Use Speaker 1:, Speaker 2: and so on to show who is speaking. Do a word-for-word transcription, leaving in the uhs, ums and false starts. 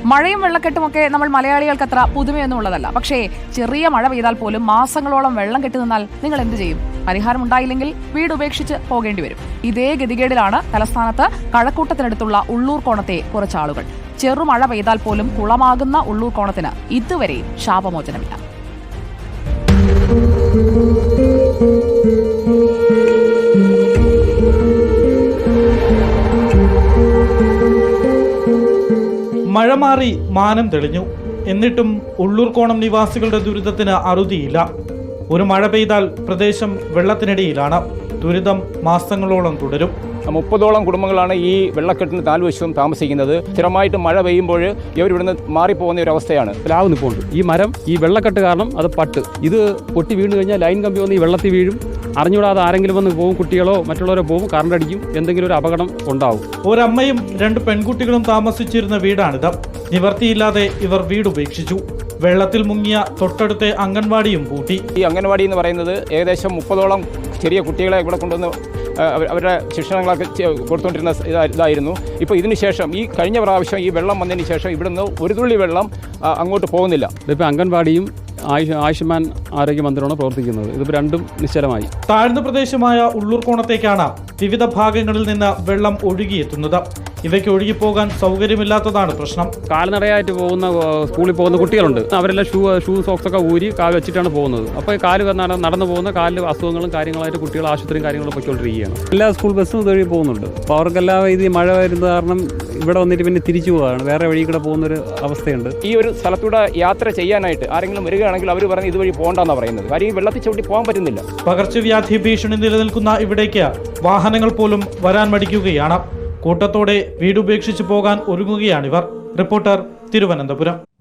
Speaker 1: മഴയും വെള്ളക്കെട്ടുമൊക്കെ നമ്മൾ മലയാളികൾക്ക് അത്ര പുതുമയൊന്നും ഉള്ളതല്ല. പക്ഷേ ചെറിയ മഴ പെയ്താൽ പോലും മാസങ്ങളോളം വെള്ളം കെട്ടി നിന്നാൽ നിങ്ങൾ എന്ത് ചെയ്യും? പരിഹാരം ഉണ്ടായില്ലെങ്കിൽ വീട് ഉപേക്ഷിച്ച് പോകേണ്ടി വരും. ഇതേ ഗതികേടിലാണ് തലസ്ഥാനത്ത് കഴക്കൂട്ടത്തിനടുത്തുള്ള ഉള്ളൂർ കോണത്തെ കുറച്ചാളുകൾ. ചെറുമഴ പെയ്താൽ പോലും കുളമാകുന്ന ഉള്ളൂർ കോണത്തിന് ഇതുവരെയും ശാപമോചനമില്ല.
Speaker 2: മഴ മാറി മാനം തെളിഞ്ഞു. എന്നിട്ടും ഉള്ളൂർക്കോണം നിവാസികളുടെ ദുരിതത്തിന് അറുതിയില്ല. ഒരു മഴ പെയ്താൽ പ്രദേശം വെള്ളത്തിനടിയിലാണ്. ദുരിതം മാസങ്ങളോളം തുടരും.
Speaker 3: മുപ്പതോളം കുടുംബങ്ങളാണ് ഈ വെള്ളക്കെട്ടിന് താൽവശവും താമസിക്കുന്നത്. സ്ഥിരമായിട്ട് മഴ പെയ്യുമ്പോൾ ഇവർ ഇവിടുന്ന് മാറിപ്പോകുന്ന ഒരു അവസ്ഥയാണ്.
Speaker 4: പ്ലാവ് നിൽപ്പുണ്ട്. ഈ മരം ഈ വെള്ളക്കെട്ട് കാരണം അത് പട്ട് ഇത് പൊട്ടി വീണ് കഴിഞ്ഞാൽ ലൈൻ കമ്പി വന്ന് ഈ വെള്ളത്തിൽ വീഴും. അറിഞ്ഞുകൂടാതെ ആരെങ്കിലും വന്ന് പോകും, കുട്ടികളോ മറ്റുള്ളവരോ പോകും, കറണ്ട് അടിക്കും, എന്തെങ്കിലും ഒരു അപകടം ഉണ്ടാവും.
Speaker 2: ഒരമ്മയും രണ്ട് പെൺകുട്ടികളും താമസിച്ചിരുന്ന വീടാണിത്. നിവർത്തിയില്ലാതെ ഇവർ വീട് ഉപേക്ഷിച്ചു. വെള്ളത്തിൽ മുങ്ങിയ തൊട്ടടുത്തെ അംഗൻവാടിയും പൂട്ടി.
Speaker 3: ഈ അംഗൻവാടി എന്ന് പറയുന്നത് ഏകദേശം മുപ്പതോളം ചെറിയ കുട്ടികളെ ഇവിടെ കൊണ്ടുവന്ന് അവരുടെ ശിക്ഷണങ്ങളൊക്കെ കൊടുത്തുകൊണ്ടിരുന്ന ഇതായിരുന്നു. ഇപ്പോൾ ഇതിന് ശേഷം ഈ കഴിഞ്ഞ പ്രാവശ്യം ഈ വെള്ളം വന്നതിന് ശേഷം ഇവിടുന്ന് ഒരു തുള്ളി വെള്ളം അങ്ങോട്ട് പോകുന്നില്ല.
Speaker 4: ഇതിപ്പോൾ അംഗൻവാടിയും ആയുഷ് ആയുഷ്മാൻ ആരോഗ്യ മന്ദിരമാണ് പ്രവർത്തിക്കുന്നത്. ഇതിപ്പോൾ രണ്ടും നിശ്ചലമായി.
Speaker 2: താഴ്ന്ന പ്രദേശമായ ഉള്ളൂർക്കോണത്തേക്കാണ് വിവിധ ഭാഗങ്ങളിൽ നിന്ന് വെള്ളം ഒഴുകിയെത്തുന്നത്. ഇവയ്ക്ക് ഒഴുകിപ്പോകാൻ സൗകര്യമില്ലാത്തതാണ് പ്രശ്നം.
Speaker 4: കാൽനടയായിട്ട് പോകുന്ന സ്കൂളിൽ പോകുന്ന കുട്ടികളുണ്ട്. അവരെല്ലാം ഷൂ ഷൂ സോക്സ് ഒക്കെ ഊരി കാല് വെച്ചിട്ടാണ് പോകുന്നത്. അപ്പോൾ കാല് നടന്നു പോകുന്ന കാലിൽ അസുഖങ്ങളും കാര്യങ്ങളായിട്ട് കുട്ടികൾ ആശുപത്രിയും കാര്യങ്ങളും പൊയ്ക്കൊണ്ടിരിക്കുകയാണ്. എല്ലാ സ്കൂൾ ബസ്സും ഇതുവഴി പോകുന്നുണ്ട്. അപ്പോൾ അവർക്കെല്ലാം ഇത് മഴ വരുന്നത് കാരണം ഇവിടെ വന്നിട്ട് പിന്നെ തിരിച്ചു പോവുകയാണ്. വേറെ വഴി കൂടെ പോകുന്നൊരു അവസ്ഥയുണ്ട്.
Speaker 3: ഈ ഒരു സ്ഥലത്തൂടെ യാത്ര ചെയ്യാനായിട്ട് ആരെങ്കിലും വരികയാണെങ്കിൽ അവർ പറഞ്ഞ് ഇതുവഴി പോകണ്ടെന്നാണ് പറയുന്നത്. കാര്യം ഈ വെള്ളത്തിൽ ചവിട്ടി പോകാൻ പറ്റുന്നില്ല.
Speaker 2: പകർച്ചവ്യാധി ഭീഷണി നിലനിൽക്കുന്ന ഇവിടേക്ക് വാഹനങ്ങൾ പോലും വരാൻ മടിക്കുകയാണ്. കൂട്ടത്തോടെ വീടുപേക്ഷിച്ച് പോകാൻ ഒരുങ്ങുകയാണിവർ. റിപ്പോർട്ടർ, തിരുവനന്തപുരം.